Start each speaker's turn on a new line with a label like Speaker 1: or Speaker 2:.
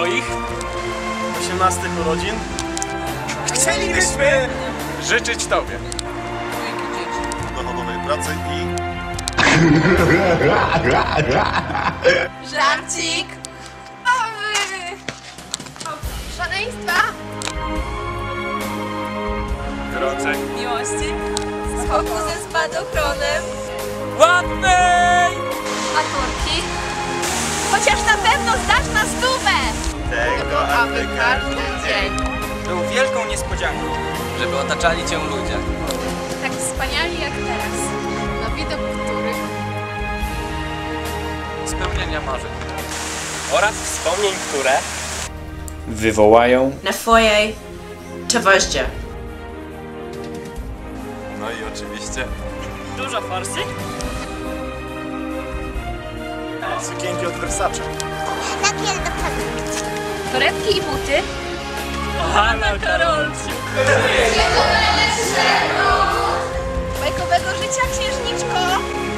Speaker 1: Twoich
Speaker 2: 18 urodzin
Speaker 1: chcielibyśmy życzyć Tobie
Speaker 2: dochodowej pracy i
Speaker 3: Żarcik! Szaleństwa!
Speaker 1: gorącej
Speaker 3: Miłości! Skoku ze spadochronem!
Speaker 1: ładnej
Speaker 3: Maturki! Chociaż na pewno zdasz na 100!
Speaker 2: tego, aby każdy
Speaker 3: dzień
Speaker 1: był wielką niespodzianką, żeby otaczali Cię ludzie.
Speaker 3: tak wspaniali jak teraz. Na widok których
Speaker 1: Spełnienia marzeń oraz wspomnień, które
Speaker 4: wywołają
Speaker 5: na Twojej towarzystwie.
Speaker 2: No i oczywiście
Speaker 1: dużo forsy,
Speaker 2: sukienki od Versace.
Speaker 3: torebki i buty.
Speaker 1: Hanna Karolciu.
Speaker 3: Bajkowego życia, księżniczko!